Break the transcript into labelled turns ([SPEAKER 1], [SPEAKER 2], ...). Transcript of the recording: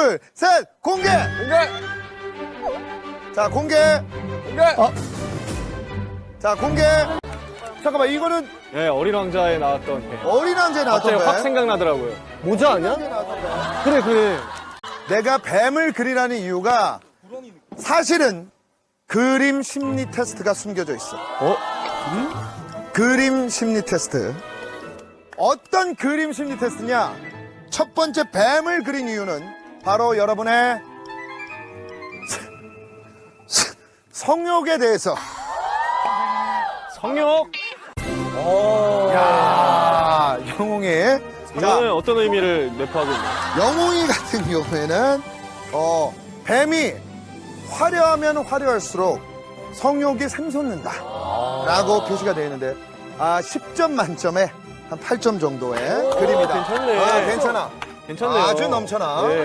[SPEAKER 1] 둘, 셋, 공개!
[SPEAKER 2] 공개!
[SPEAKER 1] 자, 공개!
[SPEAKER 2] 공개!
[SPEAKER 1] 자, 공개! 잠깐만, 이거는
[SPEAKER 2] 네, 어린 왕자에 나왔던 배.
[SPEAKER 1] 어린 왕자에 나왔던
[SPEAKER 2] 갑자기
[SPEAKER 1] 뱀.
[SPEAKER 2] 확 생각나더라고요.
[SPEAKER 3] 모자 아니야? 그래, 그래.
[SPEAKER 1] 내가 뱀을 그리라는 이유가 사실은 그림 심리 테스트가 숨겨져 있어. 그림 심리 테스트. 어떤 그림 심리 테스트냐? 첫 번째 뱀을 그린 이유는 바로 여러분의 성욕에 대해서.
[SPEAKER 2] 성욕?
[SPEAKER 1] 야, 영웅이.
[SPEAKER 2] 이거는 어떤 의미를 내포하고 있나요?
[SPEAKER 1] 영웅이 같은 경우에는 뱀이 화려하면 화려할수록 성욕이 샘솟는다 라고 표시가 되어 있는데 10점 만점에 한 8점 정도의 그림이다.
[SPEAKER 2] 괜찮네.
[SPEAKER 1] 괜찮아.
[SPEAKER 2] 괜찮네요.
[SPEAKER 1] 아주 넘쳐나.
[SPEAKER 2] 네.